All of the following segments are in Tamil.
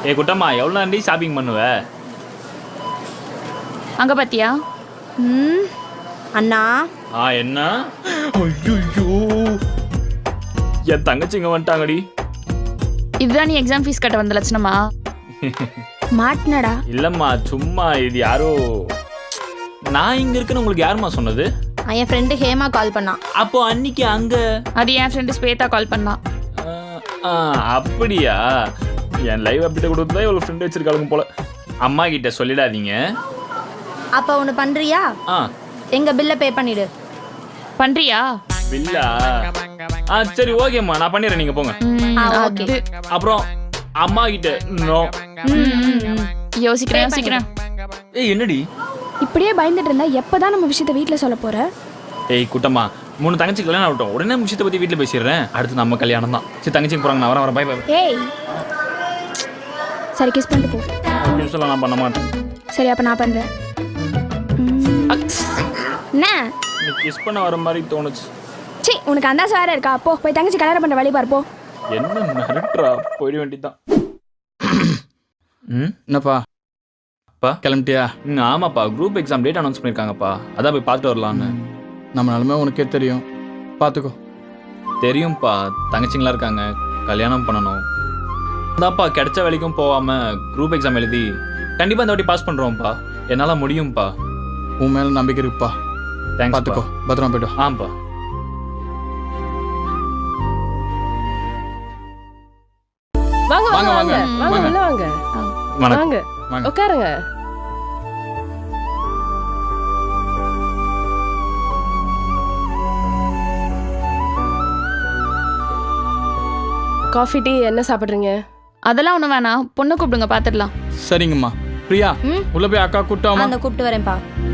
ஏ குட்டம்மா எவ்வளோ நாண்டி ஷாப்பிங் பண்ணுவ? அங்கே பார்த்தியா? அண்ணா என்ன? ஐயோ என் தங்கச்சிங்க வந்துட்டாங்கடி. இதுதான் நீ எக்ஸாம் ஃபீஸ் கட்ட வந்த லட்சணமா? மாட்டினடா. இல்லைம்மா சும்மா இது யாரோ. நான் இங்கே இருக்குன்னு உங்களுக்கு யாரும்மா சொன்னது? என் ஃப்ரெண்டு ஹேமா கால் பண்ணான். அப்போ அன்னைக்கு அங்கே அது என் ஃப்ரெண்டு ஸ்வேதா கால் பண்ணான். அப்படியா? என் லைவ் அப்டேட் கொடுத்தா இவ்வளோ ஃப்ரெண்டு வச்சிருக்காளுங்க போல. அம்மா கிட்ட சொல்லிடாதீங்க. அப்போ ஒன்று பண்ணுறியா? எங்கள் பில்லை பே பண்ணிவிடு. பண்ணுறியா? பில்லா? சரி ஓகேம்மா நான் பண்ணிடுறேன், நீங்கள் போங்க. ஓகே. அப்புறம் அம்மா கிட்ட நோ. யோசிக்கிறேன். ஏய் என்னடி இப்படியே பயந்துட்டு இருந்தா எப்பதான் நம்ம விஷயத்தை வீட்டில் சொல்ல போற? ஏய் குட்டம்மா 3 தங்கச்சி கல்யாணம் ஆகட்டும், உடனே விஷயத்தை பற்றி வீட்டில் பேசிடுறேன். அடுத்து நம்ம கல்யாணம் தான். சரி தங்கச்சிக்கு போகிறாங்க, நான் வரேன். பாய் பாய். ஏய் சரி கிஸ் பண்ணிட்டு போ. யூஸ்வலாக நான் பண்ண மாட்டேன். சரி அப்போ நான் பண்ணுறேன். என்ன நீ கிஸ் பண்ண வர மாதிரி தோணுச்சு. சி உனக்கு அந்த வேற இருக்கா? போ போய் தங்கச்சி கல்யாணம் பண்ணுற வழி பாரு போ. என்ன மிரட்டுறா? போயிட வேண்டியதான். என்னப்பா அப்பா கிளம்பிட்டியா? ஆமாப்பா, குரூப் எக்ஸாம் டேட் அனௌன்ஸ் பண்ணியிருக்காங்கப்பா, அதான் போய் பார்த்துட்டு வரலான்னு. நம்ம நிலமை உனக்கே தெரியும், பார்த்துக்கோ. தெரியும்ப்பா, தங்கச்சிங்களா இருக்காங்க, கல்யாணம் பண்ணணும். அதான்ப்பா கிடைச்ச வேலைக்கும் போகாமல் குரூப் எக்ஸாம் எழுதி கண்டிப்பாக இந்த வாட்டி பாஸ் பண்ணுறோம்ப்பா. என்னால் முடியும்ப்பா. உன் மேலே நம்பிக்கை இருக்குப்பா. தேங்க்ஸ். பார்த்துக்கோ, பத்திரமா போய்ட்டு. ஆமாப்பா. வாங்க வாங்க வாங்க வாங்க உள்ள வாங்க. வணக்கம். வாங்க உட்காருங்க. காஃபி டீ என்ன சாப்பிட்றீங்க? அதெல்லாம் ஒன்றும் வேணாம், பொண்ணை கூப்பிடுங்க பார்த்துடலாம். சரிங்கம்மா. பிரியா உள்ள போய் அக்கா கூப்பிட்டாமா? அந்த கூப்பிட்டு வரேன்ப்பா.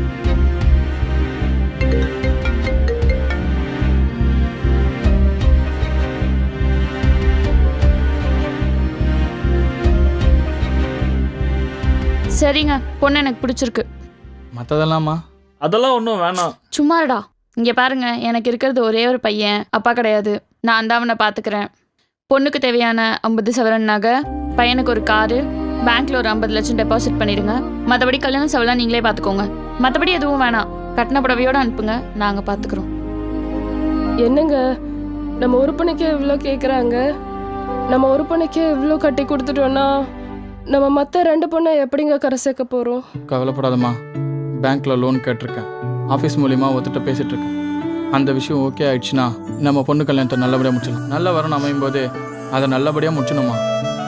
சரிங்க, பொண்ணு எனக்கு பிடிச்சிருக்கு. மற்றதெல்லாமா? அதெல்லாம் ஒன்றும் வேணாம். சும்மாடா. இங்கே பாருங்க, எனக்கு இருக்கிறது ஒரே ஒரு பையன், அப்பா கிடையாது. நான் தான் அவனை பார்த்துக்கிறேன். பொண்ணுக்கு தேவையான 50 சவரன் நகை, பையனுக்கு ஒரு காரு, பேங்க்ல ஒரு 50 லட்சம் டெபாசிட் பண்ணிடுங்க. மற்றபடி கல்யாண செலவெல்லாம் நீங்களே பார்த்துக்கோங்க. மற்றபடி எதுவும் வேணாம், கட்டின புடவையோடு அனுப்புங்க, நாங்கள் பார்த்துக்குறோம். என்னங்க நம்ம உறுப்பினைக்கே இவ்வளோ கேட்குறாங்க. நம்ம உறுப்பினைக்கே இவ்வளோ கட்டி கொடுத்துட்டோன்னா நம்ம மற்ற 2 பொண்ணை எப்படிங்க கரை சேர்க்க போகிறோம்? கவலைப்படாதம்மா, பேங்க்கில் லோன் கேட்டிருக்கேன். ஆஃபீஸ் மூலிமா ஒருத்தட்ட பேசிகிட்டு இருக்கேன். அந்த விஷயம் ஓகே ஆயிடுச்சுன்னா நம்ம பொண்ணு கல்யாணத்தை நல்லபடியாக முடிச்சிடலாம். நல்ல வரணும் அமையும் போது அதை நல்லபடியாக முடிச்சணுமா.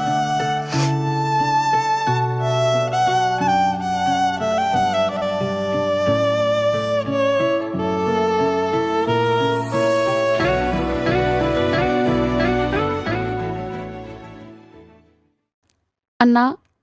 அண்ணா,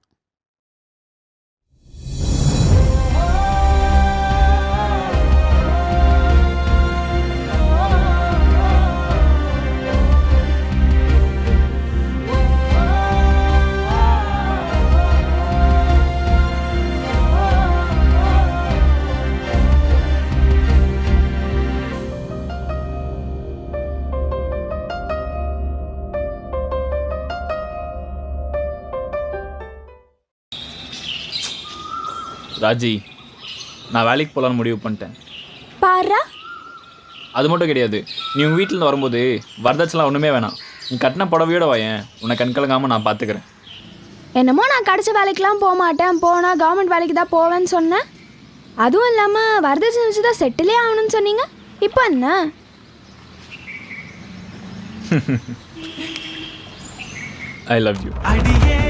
ராஜி, நான் வேலைக்கு போகலான்னு முடிவு பண்ணிட்டேன். பாரா. அது மட்டும் கிடையாது, நீ உங்கள் வீட்டில் வரும்போது வரதட்சணை ஒன்றுமே வேணாம். நீ கட்டின புடவையோட வாயேன், உன்னை கண்கலங்காமல் நான் பார்த்துக்கிறேன். என்னமோ நான் கிடைச்ச வேலைக்கெலாம் போக மாட்டேன், போனால் கவர்மெண்ட் வேலைக்கு தான் போவேன்னு சொன்னேன். அதுவும் இல்லாமல் வரதட்சணை வச்சு தான் செட்டிலே ஆகணும்னு சொன்னீங்க. இப்போ என்ன? I love you.